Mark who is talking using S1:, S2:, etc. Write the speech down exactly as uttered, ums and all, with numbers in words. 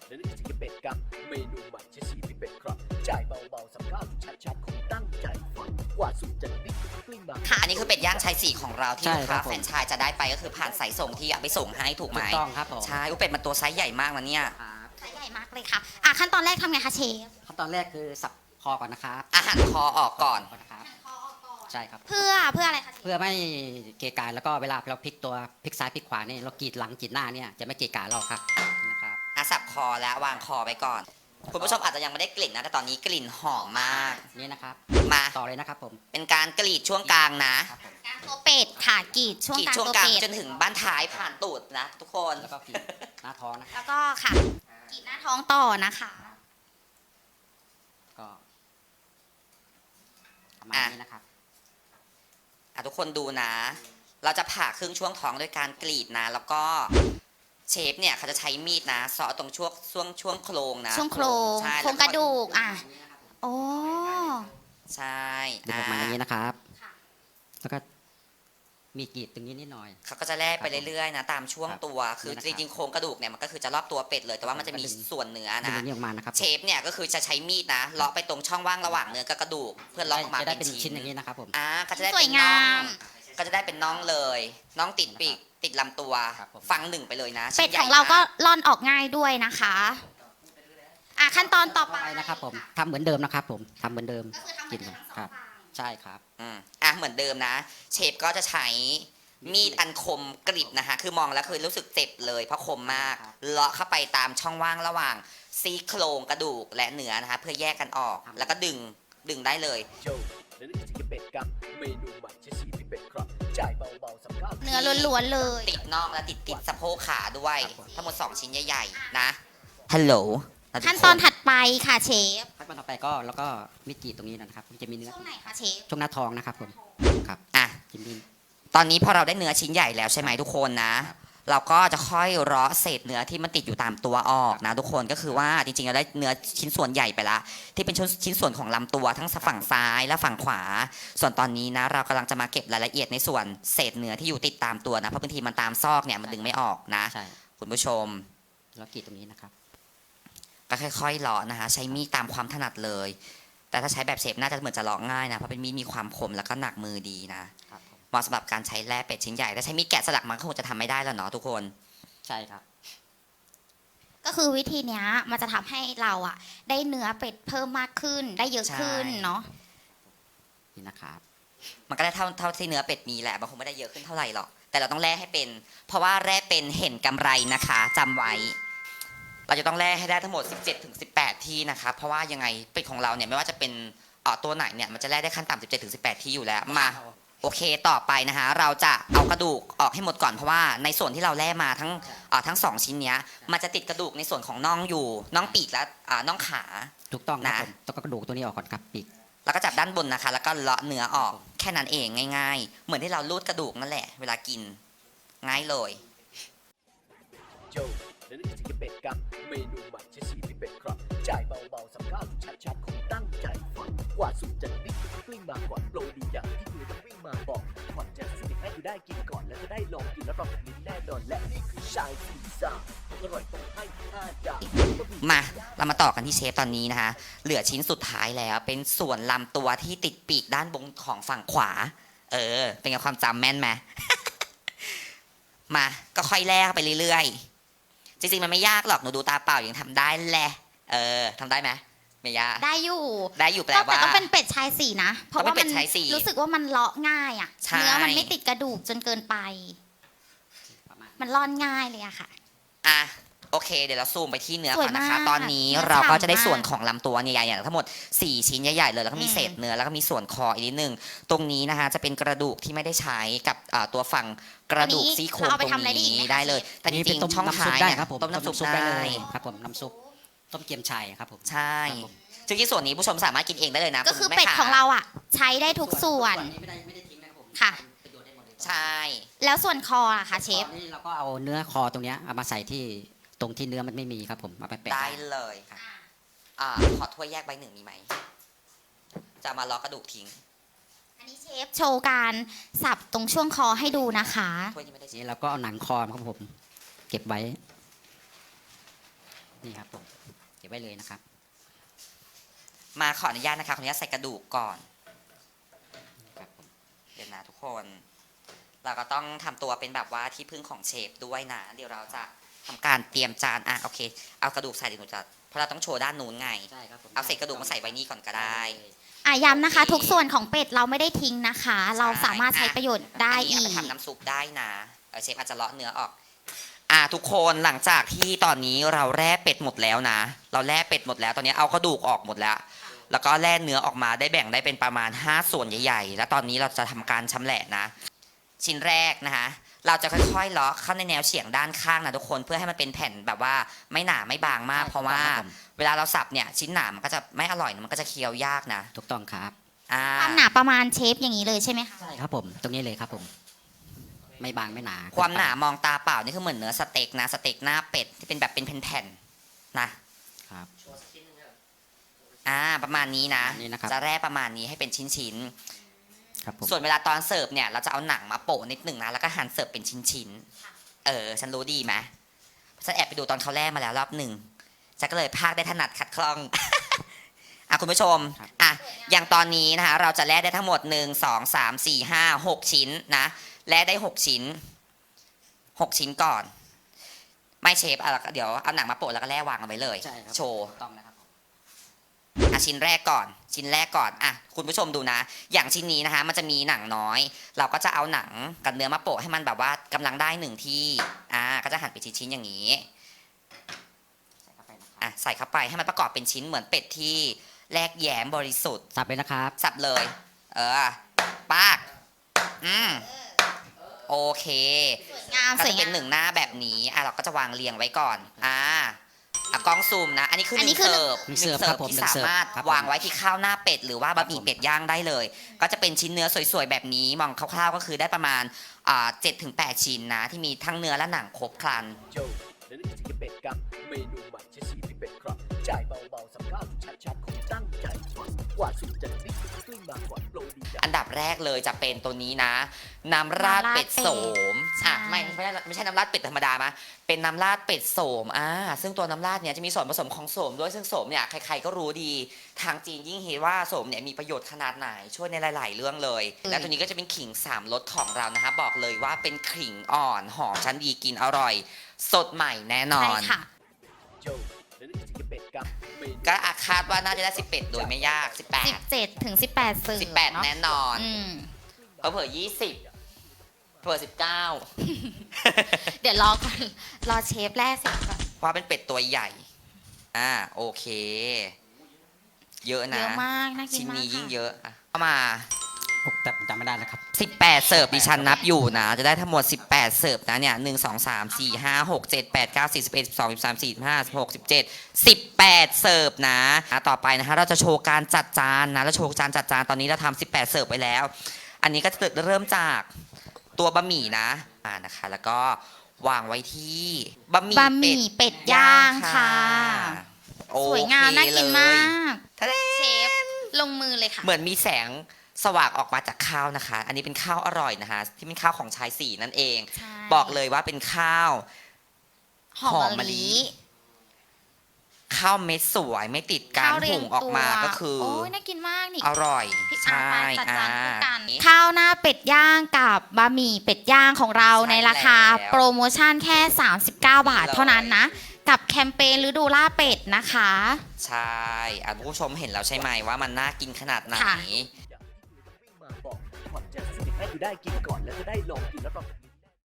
S1: และนี่คือเป็ดกับเมนูใหม่ใช้สีที่เป็ดครับจ่ายเบาๆสับข้าวชัดๆคงตั้งใจฟังกว่าสุดจะดิ้นกลิ้งมา
S2: ค่ะอันนี้คือเป็ดย่างชายสี่ของเราที่
S3: ใช่
S2: ลูก
S3: ครั
S2: ค้า
S3: บผม
S2: แฟรนไชส์จะได้ไปก็คือผ่านสายส่งที่เอาไปส่งให้ถูกไหม
S3: ถูกต้องครับผม
S2: ใช่อุยเป็ดมันตัวไซส์ใหญ่มากนะเนี่ย
S3: ครับ
S4: ไซส์ใหญ่มากเลยค่ะอ่ะขั้นตอนแรกทำไงคะเชฟ
S3: ขั้นตอนแรกคือสับคอก่อนนะครับ
S2: อาหารคอออกก่อน
S3: นะครับใช่ครับ
S4: เพื่อเพื่ออะไรคะเชฟ
S3: เพื่อไม่เกะกะแล้วก็เวลาเราพลิกตัวพลิกซ้ายพลิกขวานี่เรากรีดหลังกรีดหน้าเนี่ยจะไม่เกะกะเราครับนะครับ
S2: อาสับคอแล้ววางคอไว้ก่อน คุณผู้ชมอาจจะยังไม่ได้กลิ่นนะแต่ตอนนี้กลิ่นหอมมาก
S3: นี่นะครับ
S2: มา
S3: ต่อเลยนะครับผม
S2: เป็นการกรีดช่วงกลางนะ
S3: ครับผม
S4: กลางตัวเป็ดค่ะกรีดช่วง
S2: กรีด
S4: กลาง
S2: ช่วง
S4: ตัว
S2: กลาง
S4: เป็ด
S2: จนถึงบ้านท้ายผ่านตูดนะทุกคน
S3: แล้วก็กรีดหน้าท้องนะครับ
S4: แล้วก็ค่ะกรีดหน้าท้องต่อนะคะ
S3: ก็ประมาณนี้นะครับ
S2: อ่ะทุกคนดูนะ เราจะผ่าครึ่งช่วงท้องด้วยการกรีดนะ แล้วก็เชฟเนี่ยเขาจะใช้มีดนะเสาะตรงช่วงช่วงช่วงโครงนะ
S4: ช่วงโครง
S2: ใช่
S4: โครงกระดูกอ่ะโอ้
S2: ใช่
S3: ดูประมาณอย่างนี้นะครับ
S4: ค่ะ
S3: แล้วก็มีกรีดตรงนี้นิดหน่อย
S2: เขาก็จะแล่ไปเรื่อยๆนะตามช่วงตัว คือ
S3: นี่นะครับ
S2: จริงๆโครงกระดูกเนี่ยมันก็คือจะรอบตัวเป็ดเลย แต่ว่ามันจะมี
S3: ก็ดึง
S2: ส่วนเนื้อ
S3: ดึง
S2: นะ
S3: ตรงนี้ออกมานะครับ
S2: เชฟเนี่ยก็คือจะใช้มีดนะเลาะไปตรงช่องว่างระหว่างเนื้อกับกระดูก เพื่อเลาะออกมา
S3: จะได้
S2: เป็
S3: เป็น น
S2: ชิ้
S3: ชิ้
S2: น
S3: นอย่างนี้นะครับผม
S2: อ่าก็จะได้
S4: ส
S2: เป็
S4: วย
S2: นน่
S4: งา
S2: อง
S4: ม
S2: ก็จะได้เป็นน่องเลยน่องติดปีกติดลำตัว
S3: ครับผม
S2: ฟังหนึ่งไปเลยนะ
S4: เป็ด
S2: ชิ้นใหญ่
S4: ของเราก็
S2: ม
S4: ร่อนออกง่ายด้วยนะคะอ่ะขั้นตอนต่อไป
S3: ไปนะครับผมทำเหมือนเดิมนะครับผมทำเหมือนเดิม
S4: ก็คือทำเหมือนเดิมทั้งสอง
S3: ครับ
S4: ฝั่ง
S3: ใช่ครับ
S2: อืมอ่ะเหมือนเดิมนะ เชฟก็จะใช้มีดอันคมกริบนะคะ คือมองแล้วคือรู้สึกเจ็บเลยเพราะคมมาก
S3: ครับ
S2: เลาะเข้าไปตามช่องว่างระหว่างซี่โครงกระดูกและเนื้อนะคะ เพื่อแยกกันออก แล้วก็ดึงดึงได้เลย
S1: โจและนี่คือเป็ดกับเมนูใหม่ใช้สีที่เป็ดครับจ่ายเบาๆสับข้าว
S4: เนื้อล้วนๆเลย
S2: ติดน่องและติดติดสะโพกขาด้วย
S3: ครับผม
S2: ทั้งหมดสองชิ้นใหญ่ๆนะฮัลโหล
S4: ขั้นตอนถัดไปค่ะเชฟ
S3: ขั้นตอนต่อไปก็แล้วก็มีดกรีดตรงนี้นะครับมันจะมีเนื้อ
S4: ช่วงไหนคะเชฟ
S3: ช่วงหน้าท้องนะครับผมครับ
S2: อ่ะ
S3: จิ้มดิน
S2: ตอนนี้พอเราได้เนื้อชิ้นใหญ่แล้วใช่ไหมทุกคนนะ เราก็จะค่อยเลาะเศษเนื้อที่มันติดอยู่ตามตัวออกนะทุกคนก็คือว่าจริงๆเราได้เนื้อชิ้นส่วนใหญ่ไปละที่เป็นชิ้นส่วนของลำตัวทั้งฝั่งซ้ายและฝั่งขวา ส่วนตอนนี้นะเรากำลังจะมาเก็บรายละเอียดในส่วนเศษเนื้อที่อยู่ติดตามตัวนะเพราะบางทีมันตามซอกเนี่ยมันดึงไม่ออกนะ
S3: ใช่
S2: คุณผู้ชม
S3: แล้วกรีดตรงนี้นะครับ
S2: ก็ค่อยๆเลาะนะคะใช้มีดตามความถนัดเลย แต่ถ้าใช้แบบเชฟน่าจะเหมือนจะเลาะง่ายนะเพราะเป็นมีดมีความคมแล้วก็หนักมือดีนะครับ
S3: ผม
S2: เหมาะสำหรับการใช้แล่เป็ดชิ้นใหญ่แต่ใช้มีดแกะสลักมันก็คงจะทำไม่ได้แล้วเนาะทุกคน
S3: ใช่ครับ
S4: ก็คือวิธีเนี้ยมันจะทำให้เราอ่ะ ได้เนื้อเป็ดเพิ่มมากขึ้น ได้เยอะขึ้น
S2: ใช่
S4: เนาะ
S3: นี่นะครับ
S2: มันก็ได้เท่าเท่าที่เนื้อเป็ดมีแหละมันคงไม่ได้เยอะขึ้นเท่าไหร่หรอกแต่เราต้องแล่ให้เป็น เพราะว่าแล่เป็นเห็นกำไรนะคะจำไว้ เราจะต้องแล่ให้ได้ทั้งหมด สิบเจ็ดถึงสิบแปด ที่นะคะเพราะว่ายังไงเป็ดของเราเนี่ยไม่ว่าจะเป็นเอ่อตัวไหนเนี่ยมันจะแล่ได้ขั้นต่ำสิบเจ็ดถึงสิบแปด ที่อยู่แล้วมาโอเคต่อไปนะคะ เราจะเอากระดูกออกให้หมดก่อนเพราะว่าในส่วนที่เราแล่มาทั้งเอ่อทั้งสองชิ้นเนี้ยมันจะติดกระดูกในส่วนของน่องอยู่น่องปีกและอ่าน่องขา
S3: ถูกต้องครับ
S2: นะ
S3: ผมต้องกระดูกตัวนี้ออกก่อนครับปีก
S2: แล้วก็จับด้านบนนะคะ แล้วก็เลาะเนื้อออกแค่นั้นเองง่าย ๆ เหมือนที่เราลูดกระดูกนั่นแหละ เวลากิน ง่ายเลย
S1: โจและนี่คือเป็ดกับเมนูใหม่ใช้สีที่เป็ดครับจ่ายเบาๆสับข้าวชัดๆคงตั้งใจฟังกว่าสุดจะดิ้นกลิ้งมาก่อนโปรดีอย่างที่คุณต้องวิ่งมาบอกก่อนจะสนิทให้คุณได้กินก่อนแล้วจะได้ลองกินแล้วลองลิ้นแน่นอนและนี่คือชายสีซ่าอร่อยต้องให้ห้าดาว
S2: มาเรามาต่อกันที่เชฟตอนนี้นะคะ เหลือชิ้นสุดท้ายแล้ว เป็นส่วนลำตัวที่ติดปีกด้านบนของฝั่งขวา เออ เป็นไงความจำแม่นไหม มาก็ค่อยแลกไปเรื่อยๆ จริงๆมันไม่ยากหรอกหนูดูตาเปล่ายังทำได้แหละ เออทำได้ไหมไม่ยาก
S4: ได้อยู่
S2: ได้อยู่แปล
S4: ก็แต่
S2: ว่า
S4: ต้องเป็นเป็ดชายสีนะ เพราะ
S2: ต้อง
S4: ว่า
S2: เป็น
S4: มัน
S2: เป็ดชายสี
S4: รู้สึกว่ามันเลาะง่ายอ่ะ
S2: ใช่
S4: เนื้อมันไม่ติดกระดูกจนเกินไป
S3: ประมาณ
S4: มันร่อนง่ายเลยอะค่ะ
S2: อ่ะโอเคเดี๋ยวเราซูมไปที่เนื้อ
S4: สวย
S2: ก่อนนะคะ
S4: มาก
S2: ตอนนี้
S4: เนื้อ
S2: เราก็
S4: ฉ่ำ
S2: จะได้ส่วน
S4: มาก
S2: ของลำตัวใหญ่ๆอย่างทั้งหมดสี่ชิ้นใหญ่ๆเลยแล้วก็มี
S4: อืม
S2: เศษเนื้อแล้วก็มีส่วนคออีกนิดนึงตรงนี้นะคะจะเป็นกระดูกที่ไม่ได้ใช้กับอ่าตัวฝั่งกระดูกซี่โครง
S4: เราเอา
S2: ต
S4: ไป
S2: รง
S4: ทำอะไรได้อีก
S2: นี้
S4: ไหมคะ
S2: ได้เลย แต่จ
S3: นี่เป็
S2: ริ
S3: น
S2: ง
S3: ต้ม
S2: ๆช่อง
S3: น้ำซุป
S2: ท้าย
S3: ได้
S2: เนี่ย
S3: ครับผม
S2: ต้มน้ำซุป
S3: ได้
S2: ได้
S3: เลยครับผมน้ำซุปต้มเกี๊ยมชัยครับผม
S2: ใช่
S3: ครับผม
S2: ซึ่งที่ส่วนนี้ผู้ชมสามารถกินเองได้เลยนะ
S4: ก็คือ
S2: ณแม่
S4: เป็ด
S2: ค้
S4: ของเราอ่ะ ใช้ได้ทุกส่วน
S3: นี้ไม่ได้ไม่ได้ทิ้งนะครับผม
S4: ค่ะ
S3: ประโยชน์ได้หมดเลย
S2: ใช่
S4: แล้วส่วนคออะค่ะเชฟ
S3: ตอนนี้เราก็เอาเนื้อคอตรงเนี้ยเอามาใส่ที่ตรงที่เนื้อมันไม่มีครับผมเอาไปแปะ
S2: ได้เลยค่ะอ่าขอถ้วยแยกใบหนึ่งมีไหมจะเอามาล้อกระดูกทิ้ง
S4: อันนี้เชฟโชว์การสับตรงช่วงคอให้ดูนะคะ
S2: ถ้วยที่ไม่ได้
S3: นี่เราก็เอาหนังคอครับผม เก็บไว้ นี่ครับผมบไว้เลยนะครับ
S2: มาขออนุญาตนะคะขออนุญาตใส่กระดูกก่อน
S3: ครับผม
S2: เดี๋ยวนะทุกคน เราก็ต้องทำตัวเป็นแบบว่าที่พึ่งของเชฟด้วยนะ เดี๋ยวเราจะทำการเตรียมจานอ่ะโอเค เอากระดูกใส่เดี๋ยวหนูจะเพราะเราต้องโชว์ด้านนู้นไง
S3: ใช่ครับผม
S2: เอาเศษกระดูกมาใส่ไว้นี่ก่อนก็ได้
S4: อ่ะย้ำนะคะ ทุกส่วนของเป็ดเราไม่ได้ทิ้งนะคะ เราสามารถใช้ประโยชน์ได้
S2: นนี้
S4: อี
S2: เอา
S4: ก
S2: ไปทำน้ำซุปได้นะเออเชฟอาจจะเลาะเนื้อออก อ่าทุกคนหลังจากที่ตอนนี้เราแร่เป็ดหมดแล้วนะ เราแร่เป็ดหมดแล้วตอนนี้เอากระดูกออกหมดแล้ว แล้วก็แล่เนื้อออกมาได้แบ่งได้เป็นประมาณห้าส่วนใหญ่ๆ แล้วตอนนี้เราจะทำการชำแหละนะ ชิ้นแรกนะคะเราจะค่อยๆเลาะเข้าในแนวเฉียงด้านข้างนะทุกคนเพื่อให้มันเป็นแผ่นแบบว่าไม่หนาไม่บางมาก เพราะว่าเวลาเราสับเนี่ยชิ้นหนามันก็จะไม่อร่อยนะมันก็จะเคี้ยวยากนะ
S3: ถูกต้องครับ
S2: อ่า
S4: ความหนาประมาณเชฟอย่างนี้เลยใช่ไหมคะ
S3: ใช่ครับผมตรงนี้เลยครับผม ไม่บางไม่หนา
S2: ความหนามองตาเปล่านี่คือเหมือนเนื้อสเต็กนะสเต็กหน้าเป็ดที่เป็นแบบเป็นแผ่นๆนะครับ อ่าประมาณนี้นะ
S3: นี่นะครับ
S2: จะแร่ประมาณนี้ให้เป็นชิ้น
S3: ครับผม
S2: ๆส่วนเวลาตอนเสิร์ฟเนี่ยเราจะเอาหนังมาโปะนิดหนึ่งนะแล้วก็หั่นเสิร์ฟเป็นชิ้นๆเออฉันรู้ดีไหมฉันแอบไปดูตอนเขาแร่มาแล้วรอบหนึ่งฉันก็เลยพากได้ถนัดขัดคล่อง อ่ะคุณผู้ชมอ่ะอย่างตอนนี้นะคะเราจะแร่ได้ทั้งหมดหนึ่งสองสามสี่ห้าหกชิ้นนะแร่ได้หกชิ้นหกชิ้นก่อน ไม่เชฟอ่ะเดี๋ยวเอาหนังมาโปะแล้วก็แร่วางเอาไว้เลย
S3: ใช่ครับ
S2: โชว์
S3: ถูกต้องนะครับผม
S2: อ่ะชิ้นแรกก่อน ชิ้นแรกก่อนอ่ะคุณผู้ชมดูนะ อย่างชิ้นนี้นะคะ มันจะมีหนังน้อย เราก็จะเอาหนังกับเนื้อมาโปะให้มันแบบว่ากำลังได้หนึ่งที่อ่าก็จะหั่นเป็นชิ้นๆอย่างนี้
S3: ใส่เข้าไปนะครับ
S2: อ่ะใส่เข้าไปให้มันประกอบเป็นชิ้นเหมือนเป็ดที่แลกแย้มบริสุทธิ์
S3: สับเลยนะครับ
S2: สับเลย เออปากอืมโอเค
S4: งาม
S2: ก็
S4: สวย
S2: จะเป็
S4: งาน ม
S2: หนึ่งหน้าแบบนี้อ่ะเราก็จะวางเรียงไว้ก่อนอ่าอ่ะกล้องซูมนะ อันนี้คือห
S4: อันนี้
S2: นึ่ง
S4: คือ
S2: เสิร์ฟ
S3: หนึ่ง
S2: ห
S3: เสิ
S2: นึ่
S3: ร์
S2: ง
S3: ฟ
S2: เสิ
S3: ครั
S2: ร์ฟ
S3: บผม
S2: ที่
S3: หนึ่ง
S2: สา
S3: เสิร์ฟ
S2: มารถ
S3: ครับผม
S2: วางไว้ที่ข้าวหน้าเป็ดหรือว่าบะหมี่เป็ดย่างได้เลย ก็จะเป็นชิ้นเนื้อสวยๆแบบนี้มองคร่าวๆก็คือได้ประมาณอ่าเจ็ดถึงแปดชิ้นนะที่มีทั้งเนื้อและหนังครบครัน
S1: โจและนี่คือเป็ดกับเมนูใหม่ใช้สีที่เป็ดครับจ่ายเบาๆสับข้าวชัดๆของตั้งใจฟังกว่าสูตรจะนิดกลิ้งมากกว่าโปรดีอย่าง
S2: อันดับแรกเลยจะเป็นตัวนี้นะ น้ำราดเป็ดโสม
S4: ใช่
S2: อ่ะไม่ไม่ใช่ไม่ใช่น้ำราดเป็ดธรรมดามาเป็นน้ำราดเป็ดโสมอ่าซึ่งตัวน้ำราดเนี่ยจะมีส่วนผสมของโสมด้วยซึ่งโสมเนี่ยใครๆก็รู้ดีทางจีนยิ่งเห็นว่าโสมเนี่ยมีประโยชน์ขนาดไหนช่วยในหลายๆเรื่องเลย และตัวนี้ก็จะเป็นขิงสามรสของเรานะคะบอกเลยว่าเป็นขิงอ่อนหอมชั้นดีกินอร่อย สดใหม่แน่นอ
S4: ใช่
S2: น
S4: ค่ะ
S1: โจและนี่คือเป็ดกับเมนู
S2: ก็อาคาดว่าน่าจะได้สิบเอ็ดโดยไม่ยากสิบแป
S4: สิ
S2: ด
S4: บเจ็ดถึงสิบแปดสื่อ
S2: สิบแปด
S4: เนาะ
S2: แน่นอน
S4: อืม
S2: เผลอๆยี่สิบเผลอสิบเก้า
S4: เดี๋ยวรอก่อน รอเชฟแรกเสร็จก่อน
S2: เพราะเป็นเป็ดตัวใหญ่ อ่า โอเค เยอะ
S4: เย
S2: นะ
S4: อะมากน่ากิน
S2: ชิ้น
S4: มาก
S2: นี้ยิ่ง
S4: ค่ะ
S2: เยอะอ่ะเข้ามา
S3: ผมแต่ผมจำไม่ได้นะครับ
S2: สิบแปด เสิร์ฟดิฉันนับอยู่นะ จะได้ทั้งหมด สิบแปด เสิร์ฟนะเนี่ยหนึ่ง สอง สาม สี่ ห้า หก เจ็ด แปด เก้า สิบ สิบเอ็ด สิบสอง สิบสาม สิบสี่ สิบห้า สิบหก สิบเจ็ด สิบแปด เสิร์ฟนะอ่ะต่อไปนะคะเราจะโชว์การจัดจานนะแล้วโชว์จานจัดจานตอนนี้เราทำสิบแปด เสิร์ฟไปแล้ว อันนี้ก็จะเริ่มจากตัวบะหมี่นะอ่านะคะ แล้วก็วางไว้ที่บะหมี่
S4: บะหมี่เป็ดย่างค่ะ
S2: โอเค
S4: สวยงามน่ากินมาก
S2: ทะเล
S4: เชฟลงมือเลยค่ะ
S2: เหมือนมีแสงสว่างออกมาจากข้าวนะคะ อันนี้เป็นข้าวอร่อยนะคะ ที่เป็นข้าวของชายสี่นั่นเอง
S4: ใช่
S2: บอกเลยว่าเป็นข้าว
S4: หอม
S2: หอม
S4: มะ
S2: มะลิ
S4: ลิ
S2: ข้าวเม็ดสวยไม่ติดการ
S4: ข้าวเรีย
S2: หุ
S4: ง
S2: งออกมา
S4: ตัว
S2: ก็คือ
S4: โอ้ยน่ากินมากนี่
S2: อร่อย
S4: พี่อา
S2: ใช่
S4: ร์ตจัดจานคู่กัน
S2: อ่า
S4: ข้าวหน้าเป็ดย่างกับบะหมี่เป็ดย่างของเรา
S2: ใช่
S4: ในราคา
S2: แล้ว
S4: โปรโมชั่นแค่ สามสิบเก้า บาท
S2: เลย
S4: เท่านั้นนะ กับแคมเปญฤดูล่าเป็ดนะคะ
S2: ใช่อ่ะผู้ชมเห็นแล้วใช่ไหมว่ามันน่ากินขนาดไหน
S4: ค่ะ
S1: อย่างที่คุณต้องวิ่งมาบอกความจะสนิทให้คุณได้กินก่อนแล้วจะได้ลองกินแล้วก็